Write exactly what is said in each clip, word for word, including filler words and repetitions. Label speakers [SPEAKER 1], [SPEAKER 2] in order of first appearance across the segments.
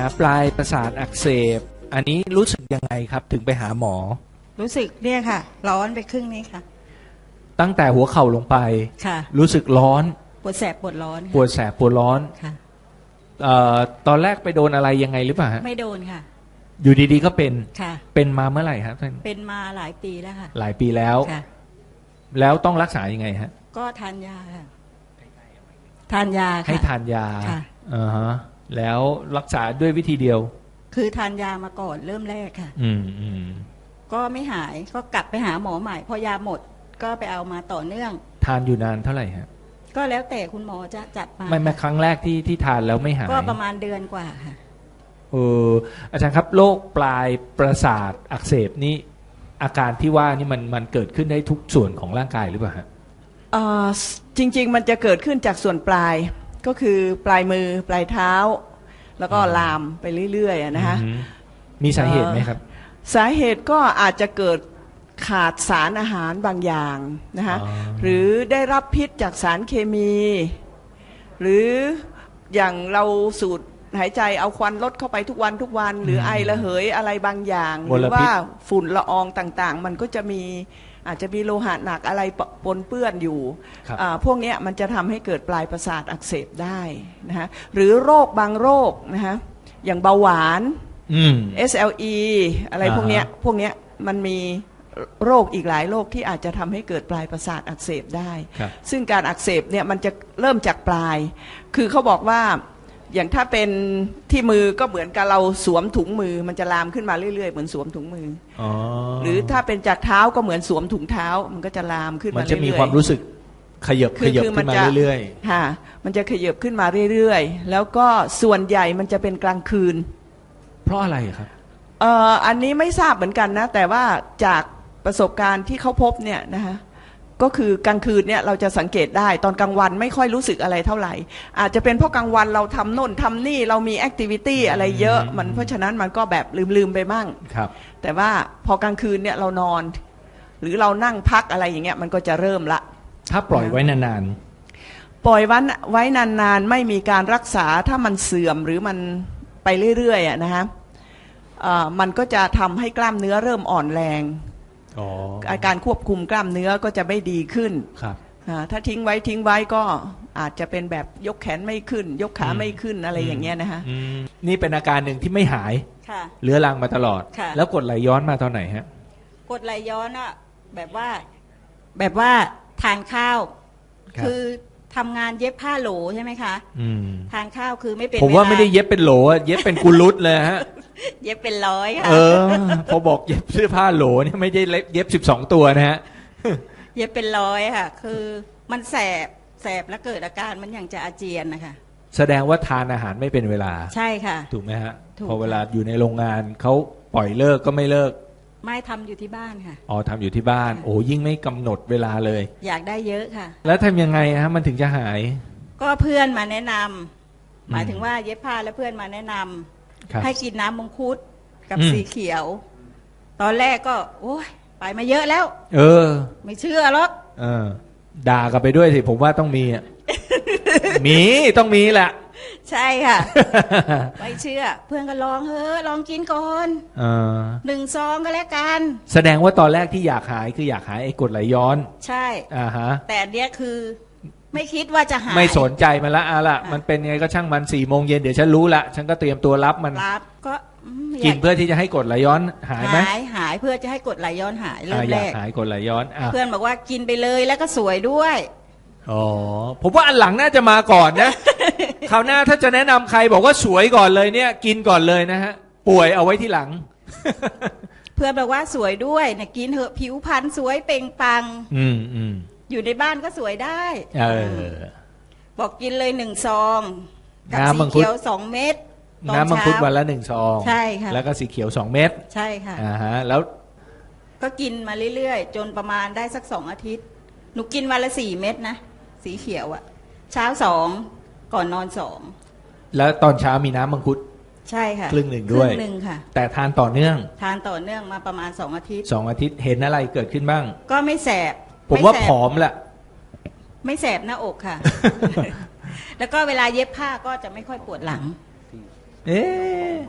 [SPEAKER 1] ปลายประสาทอักเสบอันนี้รู้สึกยังไงครับถึงไปหาหมอ
[SPEAKER 2] รู้สึกเนี่ยค่ะร้อนไปครึ่งนี้ค่ะ
[SPEAKER 1] ตั้งแต่หัวเข่าลงไป
[SPEAKER 2] ค่ะ
[SPEAKER 1] รู้สึกร้อน
[SPEAKER 2] ปวดแสบปวดร้อน
[SPEAKER 1] ปวดแสบปวดร้อน
[SPEAKER 2] ค่ะ
[SPEAKER 1] เอ่อตอนแรกไปโดนอะไรยังไงหรือเปล่าฮะ
[SPEAKER 2] ไม่โดนค่ะ
[SPEAKER 1] อยู่ดีๆก็เป็น
[SPEAKER 2] ค่ะ
[SPEAKER 1] เป็นมาเมื่อไหร่ครับท่าน
[SPEAKER 2] เป็นมาหลายปีแล้วค่ะ
[SPEAKER 1] หลายปีแล้ว
[SPEAKER 2] ค่ะ
[SPEAKER 1] แล้วต้องรักษายังไงฮะ
[SPEAKER 2] ก็ทานยาค่ะทานยาค่ะ
[SPEAKER 1] ให้ทานยา
[SPEAKER 2] ค่ะ
[SPEAKER 1] อ่าฮะแล้วรักษาด้วยวิธีเดียว
[SPEAKER 2] คือทานยามาก่อนเริ่มแรกค่ะ
[SPEAKER 1] อืมอืม
[SPEAKER 2] ก็ไม่หายก็กลับไปหาหมอใหม่พอยาหมดก็ไปเอามาต่อเนื่อง
[SPEAKER 1] ทานอยู่นานเท่าไหร่ฮะ
[SPEAKER 2] ก็แล้วแต่คุณหมอจะจัดมา
[SPEAKER 1] ไม่ไม่ครั้งแรกที่ที่ทานแล้วไม่หาย
[SPEAKER 2] ก็ประมาณเดือนกว่าค่ะ
[SPEAKER 1] เอออาจารย์ครับโรคปลายประสาทอักเสบนี่อาการที่ว่านี่มันมันเกิดขึ้นได้ทุกส่วนของร่างกายหรือเปล่าฮะ
[SPEAKER 3] เอ่อจริงๆมันจะเกิดขึ้นจากส่วนปลายก็คือปลายมือปลายเท้าแล้วก็ลามไปเรื่อยๆนะคะ
[SPEAKER 1] มีสาเหตุไหมครับ
[SPEAKER 3] สาเหตุก็อาจจะเกิดขาดสารอาหารบางอย่างนะคะหรือได้รับพิษจากสารเคมี หรืออย่างเราสูดหายใจเอาควันลดเข้าไปทุกวันทุกวันหรือไอระเหยอะไรบางอย่างหรือว่าฝุ่นละอองต่างๆมันก็จะมีอาจจะมีโลหะหนักอะไรปนเปื้อนอยู่พวกนี้มันจะทำให้เกิดปลายประสาทอักเสบได้นะฮะหรือโรคบางโรคนะฮะอย่างเบาหวาน เอส แอล อี อะไรพวกนี้พวกนี้มันมีโรคอีกหลายโรคที่อาจจะทำให้เกิดปลายประสาทอักเสบได้ซึ่งการอักเสบเนี่ยมันจะเริ่มจากปลายคือเขาบอกว่าอย่างถ้าเป็นที่มือก็เหมือนกับเราสวมถุงมือมันจะลามขึ้นมาเรื่อยๆเหมือนสวมถุงมืออ๋อหรือถ้าเป็นจากเท้าก็เหมือนสวมถุงเท้ามันก็จะลามขึ้นมาเรื่อยๆมัน
[SPEAKER 1] จะมีความรู้สึกขยับขยับขึ้นมาเรื่อย
[SPEAKER 3] ๆค่ะมันจะขยับขึ้นมาเรื่อยๆแล้วก็ส่วนใหญ่มันจะเป็นกลางคืน
[SPEAKER 1] เพราะอะไรครับ
[SPEAKER 3] เอ่ออันนี้ไม่ทราบเหมือนกันนะแต่ว่าจากประสบการณ์ที่เขาพบเนี่ยนะคะก็คือกลางคืนเนี่ยเราจะสังเกตได้ตอนกลางวันไม่ค่อยรู้สึกอะไรเท่าไหร่อาจจะเป็นเพราะกลางวันเราทำโน่นทำนี่เรามีแอคทิวิตี้อะไรเยอะมันเพราะฉะนั้นมันก็แบบลืมๆไปบ้าง
[SPEAKER 1] ครับ
[SPEAKER 3] แต่ว่าพอกลางคืนเนี่ยเรานอนหรือเรานั่งพักอะไรอย่างเงี้ยมันก็จะเริ่มละ
[SPEAKER 1] ถ้าปล่อยไว้นาน
[SPEAKER 3] ๆปล่อยวันไว้นานๆไม่มีการรักษาถ้ามันเสื่อมหรือมันไปเรื่อยๆอ่ะนะฮะมันก็จะทำให้กล้ามเนื้อเริ่มอ่อนแรงอาการควบคุมกล้ามเนื้อก็จะไม่ดีขึ้น
[SPEAKER 1] ครับ
[SPEAKER 3] ถ้าทิ้งไว้ทิ้งไว้ก็อาจจะเป็นแบบยกแขนไม่ขึ้นยกขาไม่ขึ้นอะไรอย่างเงี้ยนะฮะ
[SPEAKER 1] นี่เป็นอาการหนึ่งที่ไม่หายเรื้อรังมาตลอดแล้วกดไหลย้อนมาตอนไหนฮะ
[SPEAKER 2] กดไหลย้อนอ่ะแบบว่าแบบว่าทานข้าวคือทำงานเย็บผ้าโหลใช่ไหมคะทานข้าวคือไม่เป็น
[SPEAKER 1] ผมว่าไม่ได้เย็บเป็นโหลเย็บเป็นกุลุตเลยฮะ
[SPEAKER 2] เย็บเป็นร้อยค่ะ
[SPEAKER 1] เออพอบอกเย็บเสื้อผ้าโหลนี่ไม่ได้เย็บสิบสองตัวนะฮะ
[SPEAKER 2] เย็บเป็นร้อยค่ะคือมันแสบแสบแล้วเกิดอาการมันอย่างจะอาเจียนนะคะ
[SPEAKER 1] แสดงว่าทานอาหารไม่เป็นเวลา
[SPEAKER 2] ใช่ค่ะ
[SPEAKER 1] ถูกไหมฮะพอเวลาอยู่ในโรงงานเขาปล่อยเลิกก็ไม่เลิก
[SPEAKER 2] ไม่ทำอยู่ที่บ้านค่ะ
[SPEAKER 1] อ๋อทำอยู่ที่บ้านโอ้ยิ่งไม่กำหนดเวลาเลย
[SPEAKER 2] อยากได้เยอะค่ะ
[SPEAKER 1] แล้วทำยังไงฮะมันถึงจะหาย
[SPEAKER 2] ก็เพื่อนมาแนะนำหมายถึงว่าเย็บผ้าแล้วเพื่อนมาแนะนำให้กินน้ำมังคุดกับสีเขียวตอนแรกก็โอ้ยไปมาเยอะแล้ว
[SPEAKER 1] เออ
[SPEAKER 2] ไม่เชื่อหรอก
[SPEAKER 1] เออด่ากันไปด้วยสิผมว่าต้องมีอ่ะ มีต้องมีแหละ
[SPEAKER 2] ใช่ค่ะ ไม่เชื่อเพื่อนก็ลองเฮ้อลองกินก่อนหนึ่งซองก็แล้วกัน
[SPEAKER 1] แสดงว่าตอนแรกที่อยากหายคืออยากหายไอ้กรดไหลย้อน
[SPEAKER 2] ใช่
[SPEAKER 1] อ่าฮะ
[SPEAKER 2] แต่เนี้ยคือไม่คิดว่าจะหาย
[SPEAKER 1] ไม่สนใจมันละอะละมันเป็นไงก็ช่างมันสี่โมงเย็นเดี๋ยวฉันรู้ละฉันก็เตรียมตัวรับมัน
[SPEAKER 2] รับก็
[SPEAKER 1] กินเพื่อที่จะให้กรดไหลย้อนหายไหม
[SPEAKER 2] หายหายเพื่อจะให้กรดไหลย้อนหายเริ่มแรก
[SPEAKER 1] หายกรดไหลย้อน
[SPEAKER 2] เพื่อนบอกว่ากินไปเลยแล้วก็สวยด้วย
[SPEAKER 1] อ๋อผมว่าอันหลังน่าจะมาก่อนนะ คราวหน้าถ้าจะแนะนำใครบอกว่าสวยก่อนเลยเนี่ยกินก่อนเลยนะฮะป่วยเอาไว้ที่หลัง
[SPEAKER 2] เพื่อนบอกว่าสวยด้วยเนี่ยกินเถอะผิวพรรณสวยเปล่งปลั่ง
[SPEAKER 1] อืมอืม
[SPEAKER 2] อยู่ในบ้านก็สวยได้
[SPEAKER 1] เออ
[SPEAKER 2] บอกกินเลยหนึ่งซองกับสีเขียวสองเม็ด
[SPEAKER 1] น้ำมังคุดวันละหนึ่งซอง
[SPEAKER 2] ใช่ค่ะ
[SPEAKER 1] แล้วก็สีเขียวสองเม็ด
[SPEAKER 2] ใช่ค่ะ
[SPEAKER 1] อ่าฮะแล้ว
[SPEAKER 2] ก็กินมาเรื่อยๆจนประมาณได้สักสองอาทิตย์หนูกินวันละสี่เม็ดนะสีเขียวอะเช้าสองก่อนนอนสอง
[SPEAKER 1] แล้วตอนเช้ามีน้ำมังคุด
[SPEAKER 2] ใช่ค่ะ
[SPEAKER 1] ครึ่งหนึ่งด้วย
[SPEAKER 2] ครึ่งหนึ่งค่ะ
[SPEAKER 1] แต่ทานต่อเนื่อง
[SPEAKER 2] ทานต่อเนื่องมาประมาณสองอาทิตย์
[SPEAKER 1] สองอาทิตย์เห็นอะไรเกิดขึ้นบ้าง
[SPEAKER 2] ก็ไม่แสบ
[SPEAKER 1] ผมว่าผอมแหละ
[SPEAKER 2] ไม่แสบหน้าอกค่ะ แล้วก็เวลาเย็บผ้าก็จะไม่ค่อยปวดหลัง
[SPEAKER 1] เอ๊ะ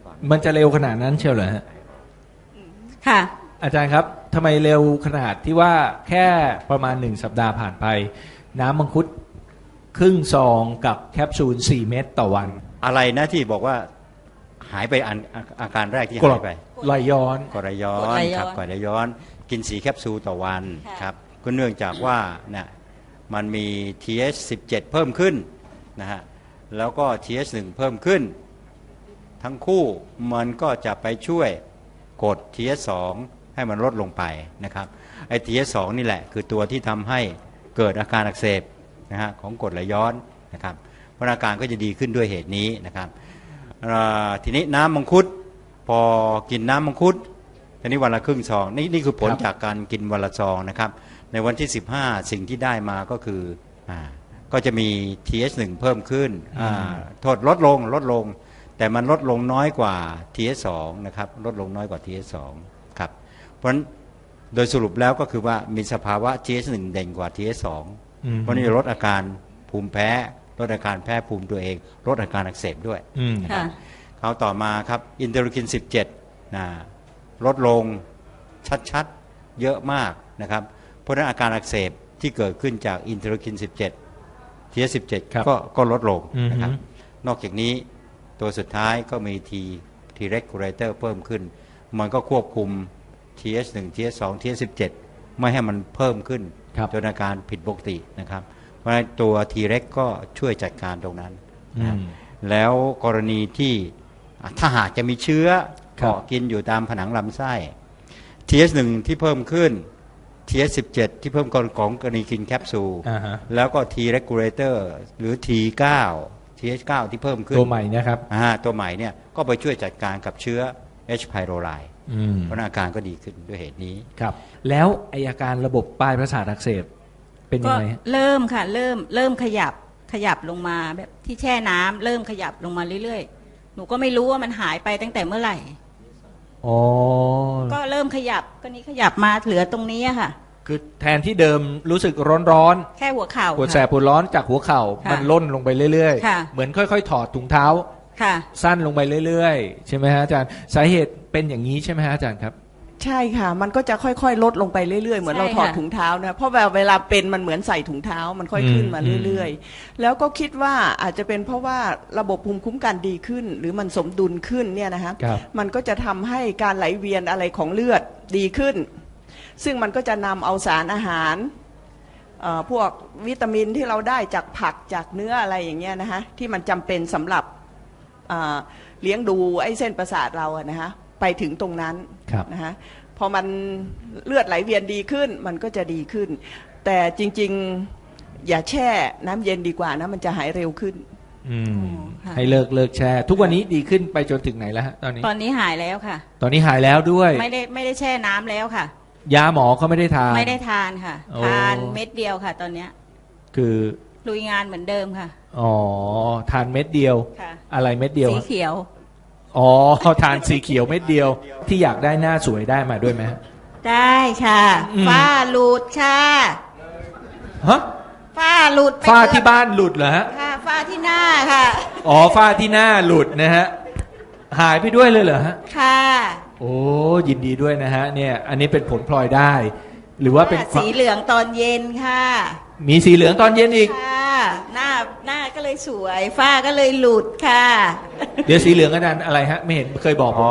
[SPEAKER 1] มันจะเร็วขนาดนั้นเชียวเหรอฮะ
[SPEAKER 2] ค่ะ
[SPEAKER 1] อาจารย์ครับทำไมเร็วขนาดที่ว่าแค่ประมาณหนึ่งสัปดาห์ผ่านไป น้ำมังคุดครึ่งซองกับแคปซูลสี่เม็ดต่อวัน
[SPEAKER 4] อะไรนะที่บอกว่าหายไปอันอาอาการแรกที่
[SPEAKER 1] กร
[SPEAKER 4] หา
[SPEAKER 1] ด
[SPEAKER 4] ยไป
[SPEAKER 1] ไหลย้อน
[SPEAKER 4] กรดไหลย้อก
[SPEAKER 2] รด
[SPEAKER 4] น
[SPEAKER 2] ไหลย้อน
[SPEAKER 4] ครับกรดไหลย้อนกินสีแคปซูลต่อวัน
[SPEAKER 2] ค่ะ
[SPEAKER 4] ครับก็เนื่องจากว่านะมันมี ที เอช สิบเจ็ด เพิ่มขึ้นนะฮะแล้วก็ ที เอช หนึ่ง เพิ่มขึ้น ทั้งคู่มันก็จะไปช่วยกด ที เอช สอง ให้มันลดลงไปนะครับไอ้ ที เอช สอง นี่แหละคือตัวที่ทำให้เกิดอาการอักเสบนะฮะของกรดไหลย้อนนะครับเพราะอาการก็จะดีขึ้นด้วยเหตุนี้นะครับอ่าทีนี้น้ำมังคุดพอกินน้ำมังคุดทีนี้วันละครึ่งซองนี่นี่คือผล
[SPEAKER 1] ครับ
[SPEAKER 4] จากการกินวันละซองนะครับในวันที่สิบห้าสิ่งที่ได้มาก็คืออ่าก็จะมี ที เอช หนึ่ง เพิ่มขึ้นอ่าโทษลดลงลดลง แต่มันลดลงน้อยกว่า ที เอช สอง นะครับลดลงน้อยกว่า ที เอช สอง ครับเพราะฉะนั้นโดยสรุปแล้วก็คือว่ามีสภาวะ ที เอช หนึ่ง เด่นกว่า ที เอช สอง
[SPEAKER 1] อืม
[SPEAKER 4] เพราะนี่จะลดอาการภูมิแพ้ลดอาการแพ้ภูมิตัวเองลดอาการอักเสบด้วย
[SPEAKER 1] อืม
[SPEAKER 2] ค่ะ
[SPEAKER 4] คราวต่อมาครับอินเตอร์คิน สิบเจ็ดนะลดลงชัดๆเยอะมากนะครับเพราะฉะนั้นอาการอักเสบที่เกิดขึ้นจากอินเตอร์คิน สิบเจ็ด ที เอช สิบเจ็ด
[SPEAKER 1] ครับ
[SPEAKER 4] ก็ก็ลดลง
[SPEAKER 1] อืม
[SPEAKER 4] นะครับนอกจากนี้ตัวสุดท้ายก็มี T T regulator เพิ่มขึ้น มันก็ควบคุม ที เอช หนึ่ง ที เอช สอง ที เอช สิบเจ็ด ไม่ให้มันเพิ่มขึ้น
[SPEAKER 1] ครับ
[SPEAKER 4] จนอาการผิดปกตินะครับเพราะฉะนั้นตัว T reg ก็ช่วยจัดการตรงนั้น
[SPEAKER 1] อื
[SPEAKER 4] นะ
[SPEAKER 1] ม
[SPEAKER 4] แล้วกรณีที่อ่ะถ้าหากจะมีเชื้อ
[SPEAKER 1] ครับ
[SPEAKER 4] เกาะกินอยู่ตามผนังลำไส้ ที เอช หนึ่ง ที่เพิ่มขึ้น ที เอช สิบเจ็ด ที่เพิ่มก่อนของกรณีกินแคปซูล
[SPEAKER 1] อ่าฮะ
[SPEAKER 4] แล้วก็ T regulator หรือ ที เก้า ที เอช เก้า ที่เพิ่มขึ้น
[SPEAKER 1] ตัวใหม่นะครับ
[SPEAKER 4] อ่าตัวใหม่เนี่ยก็ไปช่วยจัดการกับเชื้อ H. pylori
[SPEAKER 1] อืม
[SPEAKER 4] เพราะอาการก็ดีขึ้นด้วยเหตุนี้
[SPEAKER 1] ครับ แล้วไออาการระบบปลายประสาทอักเสบเป็นยั
[SPEAKER 2] ก็
[SPEAKER 1] งไงฮะ
[SPEAKER 2] เริ่มค่ะ เริ่มเริ่มขยับขยับลงมาแบบที่แช่น้ำเริ่มขยับลงมาเรื่อยๆ หนูก็ไม่รู้ว่ามันหายไปตั้งแต่เมื่อไหร่
[SPEAKER 1] อ๋อ
[SPEAKER 2] ก็เริ่มขยับก็นี้ขยับมาเหลือตรงนี้อะค่ะ
[SPEAKER 1] คือแทนที่เดิมรู้สึกร้อน
[SPEAKER 2] แค่หัวเข่า
[SPEAKER 1] ๆปวดแสบ
[SPEAKER 2] ค่ะ
[SPEAKER 1] ปวดร้อนจากหัวเข่า
[SPEAKER 2] ค่ะ
[SPEAKER 1] มันล่นลงไปเรื่อย
[SPEAKER 2] ค่ะ
[SPEAKER 1] ๆ เหมือนค่อยๆ ถอดถุงเท้า
[SPEAKER 2] ค่ะ
[SPEAKER 1] สั้นลงไปเรื่อยๆ ใช่ไหมฮะอาจารย์ สาเหตุเป็นอย่างนี้ใช่ไหมฮะอาจารย์ครับ
[SPEAKER 3] ใช่ค่ะ มันก็จะค่อยๆ ลดลงไปเรื่อยๆ เหมือน
[SPEAKER 2] ใช่
[SPEAKER 3] เราถอด
[SPEAKER 2] ค่ะ
[SPEAKER 3] ถุงเท้านะ เพราะแบบเวลาเป็นมันเหมือนใส่ถุงเท้า มันค่อยขึ้นมา
[SPEAKER 1] อืม
[SPEAKER 3] เรื่อยๆ แล้วก็คิดว่าอาจจะเป็นเพราะว่าระบบภูมิคุ้มกันดีขึ้น หรือมันสมดุลขึ้นเนี่ยนะคะ
[SPEAKER 1] ครับ
[SPEAKER 3] มันก็จะทำให้การไหลเวียนอะไรของเลือดดีขึ้น ซึ่งมันก็จะนำเอาสารอาหารเอ่อพวกวิตามินที่เราได้จากผักจากเนื้ออะไรอย่างเงี้ยนะคะที่มันจำเป็นสำหรับเอ่อเลี้ยงดูไอ้เส้นประสาทเราอะนะคะไปถึงตรงนั้น
[SPEAKER 1] ครับ
[SPEAKER 3] นะคะพอมันเลือดไหลเวียนดีขึ้นมันก็จะดีขึ้น แต่จริงๆอย่าแช่น้ำเย็นดีกว่านะมันจะหายเร็วขึ้น
[SPEAKER 1] อืม
[SPEAKER 2] อ๋อค่ะ
[SPEAKER 1] ให้เลิกเลิกแช่ ทุกวันนี้ดีขึ้นไปจนถึงไหนแล้วฮะตอนนี้
[SPEAKER 2] ตอนนี้หายแล้วค่ะ
[SPEAKER 1] ตอนนี้หายแล้วด้วย
[SPEAKER 2] ไม่ได้ไม่ได้แช่น้ำแล้วค่ะ
[SPEAKER 1] ยาหมอก็ไม่ได้ทาน
[SPEAKER 2] ไม่ได้ทานค่ะ
[SPEAKER 1] โอ้
[SPEAKER 2] ทานเม็ดเดียวค่ะ ตอนเนี้ย
[SPEAKER 1] คือ
[SPEAKER 2] ลุยงานเหมือนเดิมค่ะ
[SPEAKER 1] อ๋อ ทานเม็ดเดียว
[SPEAKER 2] ค่ะ
[SPEAKER 1] อะไรเม็ดเดียว
[SPEAKER 2] สี
[SPEAKER 1] ฮะ
[SPEAKER 2] เขียว
[SPEAKER 1] อ๋อ ทานสีเขียวเม็ดเดียว ที่อยากได้หน้าสวยได้มาด้วยไหมฮะ
[SPEAKER 2] ได้ค่ะ
[SPEAKER 1] อืม
[SPEAKER 2] ฝ้าหลุดค่ะ
[SPEAKER 1] ฮะ
[SPEAKER 2] ฝ้าหลุดไป
[SPEAKER 1] ฝ้า
[SPEAKER 2] เกือบ
[SPEAKER 1] ที่บ้านหลุดเหรอฮะ
[SPEAKER 2] ค่ะฝ้าที่หน้าค่ะ
[SPEAKER 1] อ๋อ ฝ้าที่หน้าหลุดนะฮะ หายไปด้วยเลยเหรอฮะ
[SPEAKER 2] ค่ะ
[SPEAKER 1] โอ้ ยินดีด้วยนะฮะ เนี่ย อันนี้เป็นผลพลอยได้ หรือว่าเป็น
[SPEAKER 2] สีเหลืองตอนเย็นค่ะ
[SPEAKER 1] มีสีเหลืองตอนเย็นอีก
[SPEAKER 2] ค่ะ หน้าหน้าก็เลยสวย ฝ้าก็เลยหลุดค่ะ
[SPEAKER 1] เดี๋ยวสีเหลืองอาจารย์อะไรฮะ ไม่เห็นเคยบอกผม
[SPEAKER 4] อ๋อ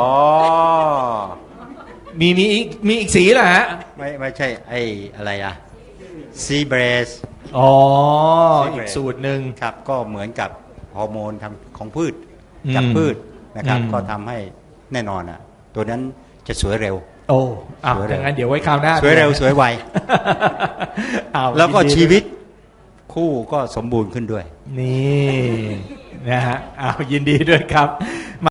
[SPEAKER 1] มีมีอีกมีอีกสีเหรอฮะ
[SPEAKER 4] ไม่ไม่ใช่ไอ้อะไรอะซีเบรส
[SPEAKER 1] อ๋อ
[SPEAKER 4] สีเหลือง
[SPEAKER 1] อีกสูตรหนึ่ง
[SPEAKER 4] ครับก็เหมือนกับฮอร์โมนทางของพืช
[SPEAKER 1] อืม
[SPEAKER 4] จากพืชนะครับ
[SPEAKER 1] อืม
[SPEAKER 4] ก็ทำให้แน่นอนอ่ะตัวนั้นจะสวยเร็ว
[SPEAKER 1] โอ้อ้าว
[SPEAKER 4] สวยเร็ว
[SPEAKER 1] อย่างนั้นเดี๋ยวไว้คราวหน้า
[SPEAKER 4] สวยเร็วสวยไว
[SPEAKER 1] อ้าว
[SPEAKER 4] แล้วก็
[SPEAKER 1] ยินดี
[SPEAKER 4] ชีวิตคู่ก็สมบูรณ์ขึ้นด้วย
[SPEAKER 1] นี่นะฮะอ้าวยินดีด้วยครับ